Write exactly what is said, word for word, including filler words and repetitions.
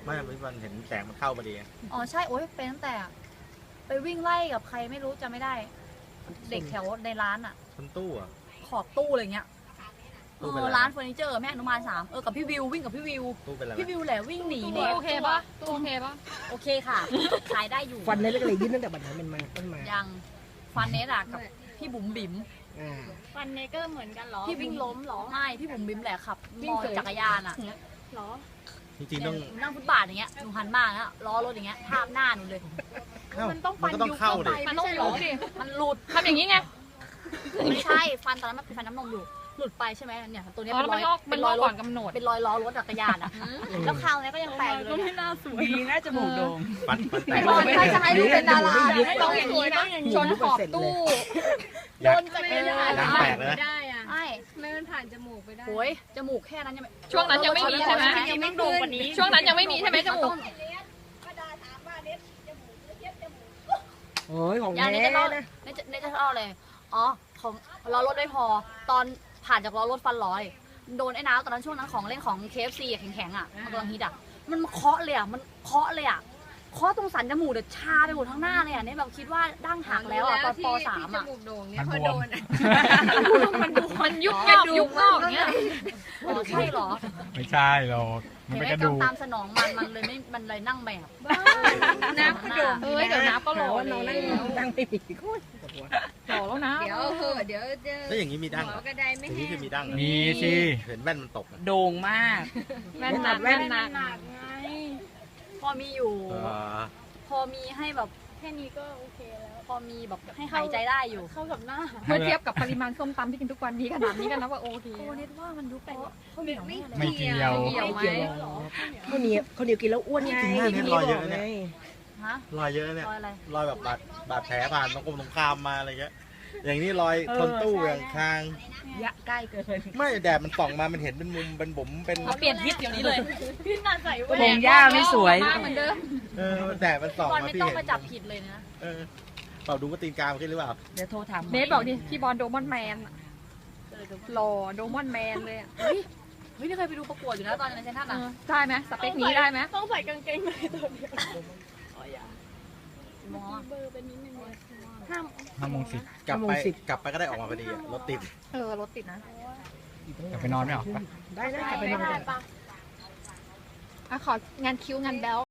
ไม่พี่บอลเห็นแสงมันเข้าพอดีอ๋อใช่โอ๊ยเป็นตั้งแต่ไปวิ่งไล่กับใครไม่รู้จะไม่ได้ เด็กแถวในร้านอ่ะชนตู้อ่ะขอบตู้อะไรเงี้ยเอตู้เป็นอไรร้านเฟอร์นิเจอร์แม่อนุบาลสามเออกับพี่วิววิ่งกับพี่วิวตู้เป็นอะไรพี่วิวแหละวิ่งหนีเน็ตโอเคปะตัวโอเคปะโอเคค่ะขายได้อยู่ฟันในเล็กเลยยื่นตั้งแต่บัดนั้นเป็นมาต้นมายังฟันเนสอะกับพี่บุ๋มบิ๋มอ่าฟันเนเกอร์เหมือนกันเหรอพี่วิ่งล้มเหรอไม่พี่บุ๋มบิ๋มแหละขับวิ่มงอเสยจักรยานอะเหรอจริงๆต้องหนูนั่งฟุตบาทอย่างเงี้ยหนูหันมาแล้วล้อรถอย่างเงี้ยทาบหน้าหนูเลยเข้ามันต้องมัฟันนก็ต้องยุบเข้าเข้าดิไปมันไม่ต้องใช่หเหรลุอดมันหลุดทำอย่างนี้ไงไม่ใช่ฟันตอนนั้นมันเป็นฟันน้ำนมอยู่ หลุดไปใช่ไหมเนี่ยตัวเนี้ยอ๋อเป็นแล้วรมัอน ยงอกเป็มันนงรออก ยรถก่อนกำหนดเป็นรอยล้อรถจักรยานอะแล้วคราวนี้ก็ยังแปลกอยู่เลยไม่น่าสวยดีนะจมูกโด่งฟันฟันแตกรอยใครจะให้ดูเป็นดาราไม่ต้องอย่างนี้นะชนขอบตู้อยากโดนจักรยานยางแตกเลยนะได้อะไอ้ไม่มันผ่านจมูกไปได้โอยจมูกแค่นั้นยังไม่ช่วงนั้นยังไม่มีใช่ไหมยังไม่โด่งกว่านี้ช่วงนั้นยังไม่มีใช่ไหมจมูกโอ้ยของอย่างนี้แท้จะเล่านะในจะในจะเล่าเลยอ๋อของล้อรถไม่พอ ตอนผ่านจากล้อรถฟันร้อย โดนไอ้น้าตอนนั้นช่วงนั้นของเล่นของ เค เอฟ ซี อะแข็งๆอะมันกำลังฮิตอะมันมาเคาะเลยอะมันเคาะเลยอะเคาะตรงสันจมูกเดือดชาไปหมดทั้งหน้าเลยอะเนี่ยแบบคิดว่าดั้งหักแล้วอะตอนปสามอะจมูกโด่งเนี่ยมันพอบวโดมนอะมันบวมมันยุบกระยุบงอกเงี้ยอ๋อใช่เหรอไม่ใช่หรอกมันเห็นเป็นไหมกระดูกกำตามสนองมันมันเลยไม่มันเลยนั่งแบบน้ำก็โด่งเอ้ยเดี๋ยวน้ำก็หล่อว่าน้องนั่งแล้วนั่งไม่มีโคตรปวดหัวหล่อแล้วนะเดี๋ยวเหอะเดี๋ยวเจอแล้วอย่างนี้มีดั้งหมเหรออกระไดไม่อย่างนี้แห้คืงอมีดั้งเหรอมีสิเห็นแว่นมันตกอะโด่งมากแว่นหนักแว่นหนักพอมีอยู่เออพอมีให้แบบแค่นี้ก็โอเคแล้วพอมีแบบให้หายใจได้อยู่เข้ากับหน้าเมื่อเทียบกับปริมาณส้มตำที่กินทุกวันนี้ขนาดนี้กันนะว่าโอเคโอ้เน็ตว่ามันยุบไปข้าวเหนียวแน่เลยไม่เกี่ยวเกี่ยวไม่เกี่ยวหรอกข้าวเหนียวข้าวเหนียวกินแล้วอ้วนไงจริงๆเนี่ยที่รอยเยอะบกเนี่ยไงฮะรอยเยอะเนี่ยรอยอะไรรอยแบบบาดบาดแผลผ่านตรงกลมตรงข้ามมาอะไรเงี้ย อย่างนี้รอยชนตู้อย่างคางยะใกล้เกินไม่แดดมันส่องมา มันเห็นเป็นมุม เป็นบุ๋มเป็นเอาเปลี่ยนทิศเดี๋ยวนี้เลยพี่นาใส่แหวโครงหญ้าไม่สวยมาเหมือนเดิมเออแดดมันส่องบอลมาไม่พี่ต้องเห็นมาจับผิดเลยนะเออเปล่าดูว่าตีนกามขึ้นหรือเปล่าเดี๋ยวโทรถามเบสบอกดิพี่บอลโดมอนแมนอะหล่อโดมอนแมนเลยอะเฮ้ย เฮ้ยนี่เคยไปดูประกวดอยู่นะตอนในเซนทรัลเออ่ะอได้ไหมสเปคนี้ได้ไหมต้องใส่กางเกงในตัวเดียวมอเบอร์เป็นนิดนึงห้ามห้าโมงสิบกลับไป กลับไปก็ได้ออกมาพอดีอะรถติดเออรถติดนะจะไปนอนไม่ออกปะได้ได้กลับไปนอนก่อนอ่ะของานคิ้วงานแบล